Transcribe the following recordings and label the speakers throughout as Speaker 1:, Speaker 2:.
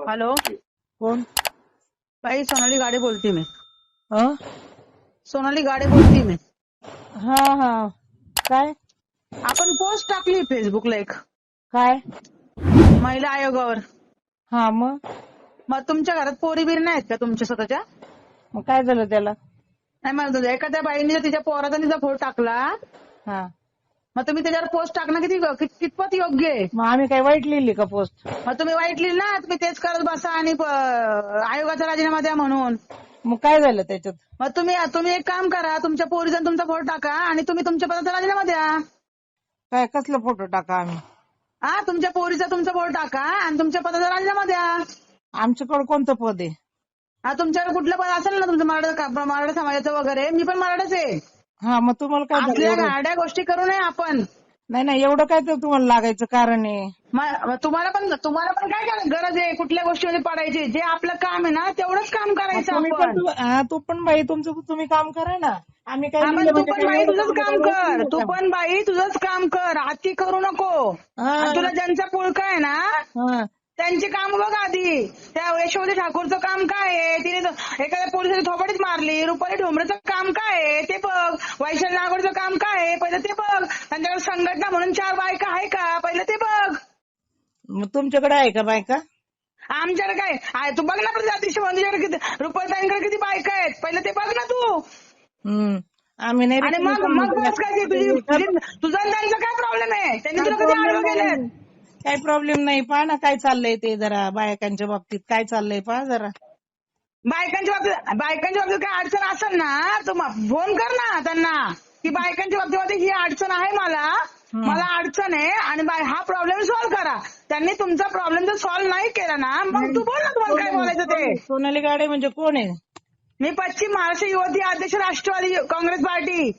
Speaker 1: Hello,
Speaker 2: कोण?
Speaker 1: बाई सोनाली गाडे बोलते मी.
Speaker 2: हं?
Speaker 1: सोनाली गाडे बोलते मी.
Speaker 2: हा हा. काय
Speaker 1: आपण पोस्ट टाकली फेसबुकला एक
Speaker 2: काय?
Speaker 1: महिला आयोगावर.
Speaker 2: हा मग
Speaker 1: मग तुमच्या घरात पोरी बिरी नाहीत का तुमच्या स्वतःच्या?
Speaker 2: मग काय झालं त्याला?
Speaker 1: नाही म्हणत होते, एखाद्या बाईने जर तिच्या पोराचा तिचा फोटो टाकला,
Speaker 2: हा
Speaker 1: मग तुम्ही त्याच्यावर पोस्ट टाकणं कितपत योग्य आहे?
Speaker 2: मग आम्ही काय वाईट लिहिली का पोस्ट?
Speaker 1: मग तुम्ही वाईट लिहिलं ना, तुम्ही तेच करत बसा आणि आयोगाचा राजीनामा द्या म्हणून.
Speaker 2: मग काय झालं त्याच्यात?
Speaker 1: मग तुम्ही एक काम करा, तुमच्या पोरीचा तुमचा फोटो टाका आणि तुम्ही तुमच्या पदाचा राजीनामा द्या.
Speaker 2: काय कसला फोटो टाका आम्ही?
Speaker 1: हा, तुमच्या पोरीचा तुमचा फोटो टाका आणि तुमच्या पदाचा राजीनामा द्या.
Speaker 2: आमच्याकडे कोणतं पद आहे?
Speaker 1: हा, तुमच्याकडे कुठलं पद असेल ना तुमचं मराठा समाजाचं वगैरे, मी पण मराठाच आहे.
Speaker 2: हा मग तुम्हाला काय झालं
Speaker 1: असल्या
Speaker 2: एवढं?
Speaker 1: गाड्या गोष्टी करू नये आपण.
Speaker 2: नाही एवढं काय तर तुम्हाला लागायचं कारण आहे?
Speaker 1: तुम्हाला पण काय गरज आहे कुठल्या गोष्टीमध्ये पडायची? जे आपलं काम आहे ना तेवढंच काम करायचं
Speaker 2: तुम्ही
Speaker 1: आपण.
Speaker 2: तू पण बाई तुमचं तुम्ही काम करा ना. आम्ही काय
Speaker 1: हा, पण
Speaker 2: लिहिलं
Speaker 1: तू
Speaker 2: म्हणजे
Speaker 1: पण
Speaker 2: काय
Speaker 1: बाई
Speaker 2: एवढं
Speaker 1: तुझंच काम
Speaker 2: चांगलं
Speaker 1: कर.
Speaker 2: लिहिलं
Speaker 1: तू
Speaker 2: का?
Speaker 1: पण बाई तुझंच काम कर, अति करू नको.
Speaker 2: हा,
Speaker 1: आणि तुला ज्यांचा पुळका आहे ना
Speaker 2: हा.
Speaker 1: त्यांची काम बघ आधी. त्या यशोमती ठाकूरचं काम काय आहे? तिने एखाद्या पोलिसाची थोपडीच मारली. रुपाली ढोंबरेचं काम काय आहे ते बघ. वैशाली नागोडचं काम काय आहे पहिलं ते बघ. त्यांच्याकडे संघटना म्हणून 4 बायका आहे का पहिलं ते बघ.
Speaker 2: मग तुमच्याकडे आहे का बायका?
Speaker 1: आमच्याकडे काय आहे? तू बघ ना प्रतिष्ठा तुझ्याकडे किती, रुपालीताईंकडे किती बायका आहेत पहिलं ते बघ ना तू.
Speaker 2: आम्ही नाही
Speaker 1: आणि
Speaker 2: रिकामी
Speaker 1: मग
Speaker 2: कामं
Speaker 1: बस काय तुझा आणि त्यांचा काय प्रॉब्लेम आहे? त्यांनी तुला कधी आडवं केलं?
Speaker 2: काही प्रॉब्लेम नाही. पहा ना काय चाललंय ते जरा बायकांच्या बाबतीत काय चाललंय पहा जरा.
Speaker 1: बायकांच्या बाबतीत काय अडचण असेल ना तर फोन कर ना त्यांना की बायकांच्या बाबतीमध्ये ही अडचण आहे, मला अडचण आहे आणि हा प्रॉब्लेम सॉल्व्ह करा. त्यांनी तुमचा प्रॉब्लेम जर सॉल्व्ह नाही केला ना मग तू बोल ना तुम्हाला काय बोलायचं ते.
Speaker 2: सोनाली गाडे म्हणजे कोण आहे?
Speaker 1: मी पश्चिम महाराष्ट्र युवती अध्यक्ष राष्ट्रवादी काँग्रेस पार्टी.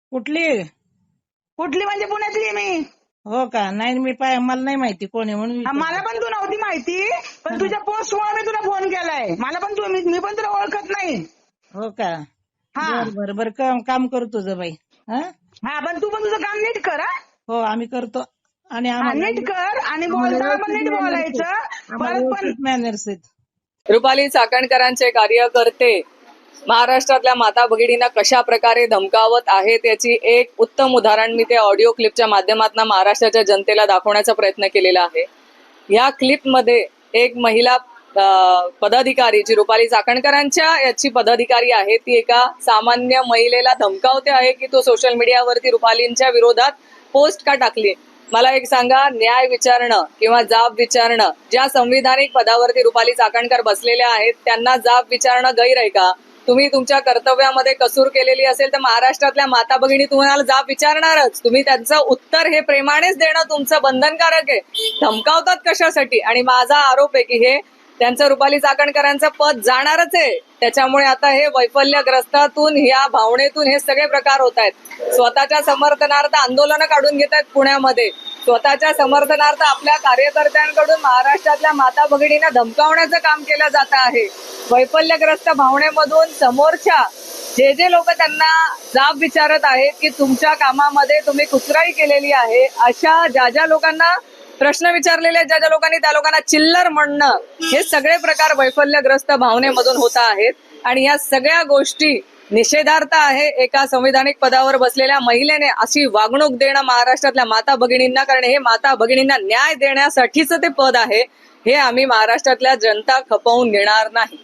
Speaker 1: कुठली म्हणजे पुण्यातली मी.
Speaker 2: हो का? नाही मला नाही माहिती कोण आहे म्हणून
Speaker 1: मला पण तू नव्हती माहिती, पण तुझ्या पोस्टमुळे मी तुला फोन केलाय. मी पण तुला ओळखत नाही.
Speaker 2: हो का?
Speaker 1: हा
Speaker 2: बरं काम करू तुझं बाई.
Speaker 1: हा, पण तू पण तुझं काम नीट कर.
Speaker 2: हो आम्ही करतो. आणि
Speaker 1: नीट कर आणि बोलताना पण नीट बोलायचं. परत पण
Speaker 2: मॅनर्स आहेत.
Speaker 3: रुपाली चाकणकरांचे कार्यकर्ते महाराष्ट्रातल्या माता भगिनींना कशा प्रकारे धमकावत आहेत याची एक उत्तम उदाहरण मी ते ऑडिओ क्लिपच्या माध्यमातून महाराष्ट्राच्या जनतेला दाखवण्याचा प्रयत्न केलेला आहे. या क्लिपमध्ये एक महिला पदाधिकारी जी रुपाली चाकणकरांच्या याची पदाधिकारी आहे ती एका सामान्य महिलेला धमकावते आहे की तो सोशल मीडियावरती रुपालींच्या विरोधात पोस्ट का टाकली. मला एक सांगा, न्याय विचारणं किंवा जाब विचारणं, ज्या संविधानिक पदावरती रुपाली चाकणकर बसलेल्या आहेत त्यांना जाब विचारणं गैर आहे का? तुम्ही तुमच्या कर्तव्यामध्ये कसूर केलेली असेल तर महाराष्ट्रातल्या माता भगिनी तुम्हाला जाब विचारणारच. तुम्ही त्यांचं उत्तर हे प्रेमानेच देणं तुमचं बंधनकारक आहे. धमकावतात कशासाठी? आणि माझा आरोप आहे की हे त्यांचं रुपाली चाकणकरांचं पद जाणारच आहे. त्याच्यामुळे आता हे वैफल्यग्रस्तातून या भावनेतून हे सगळे प्रकार होत आहेत. स्वतःच्या समर्थनार्थ आंदोलनं काढून घेत आहेत पुण्यामध्ये. स्वतःच्या समर्थनार्थ आपल्या कार्यकर्त्यांकडून महाराष्ट्रातल्या माता भगिनींना धमकावण्याचं काम केलं जात आहे. वैफल्यग्रस्त भावनेमधून समोरच्या जे लोक त्यांना जाब विचारत आहेत की तुमच्या कामामध्ये तुम्ही कुचराई केलेली आहे, अशा ज्या लोकांना प्रश्न विचारलेले ज्या लोकांनी त्या लोकांना चिल्लर म्हणणं, हे सगळे प्रकार वैफल्यग्रस्त भावनेमधून होत आहेत. आणि या सगळ्या गोष्टी निषेधार्थ आहे. एका संविधानिक पदावर बसलेल्या महिलेने अशी वागणूक देणं महाराष्ट्रातल्या माता भगिनींना, कारण हे माता भगिनींना न्याय देण्यासाठीच ते पद आहे. हे आम्ही महाराष्ट्रातल्या जनता खपवून घेणार नाही.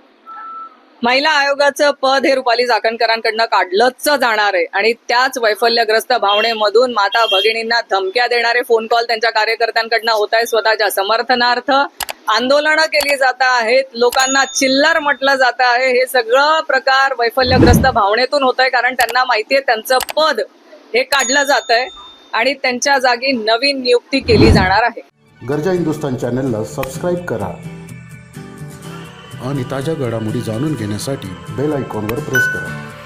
Speaker 3: महिला आयोगाचं पद हे रुपाली चाकणकरांकडनं काढलंच जाणार आहे. आणि त्याच वैफल्यग्रस्त भावनेमधून माता भगिनींना धमक्या देणारे फोन कॉल त्यांच्या कार्यकर्त्यांकडनं होत आहे. स्वतःच्या समर्थनार्थ आंदोलनं केली जात आहेत, लोकांना चिल्लर म्हटलं जात आहे. हे सगळं प्रकार वैफल्यग्रस्त भावनेतून होत आहे, कारण त्यांना माहितीये त्यांचं पद हे काढलं जात आहे आणि त्यांच्या जागी नवीन नियुक्ती केली जाणार आहे.
Speaker 4: गर्जा हिंदुस्तान चॅनलला सबस्क्राईब करा आणि ताज्या घडामोडी जाणून घेण्यासाठी बेल आयकॉनवर प्रेस करा.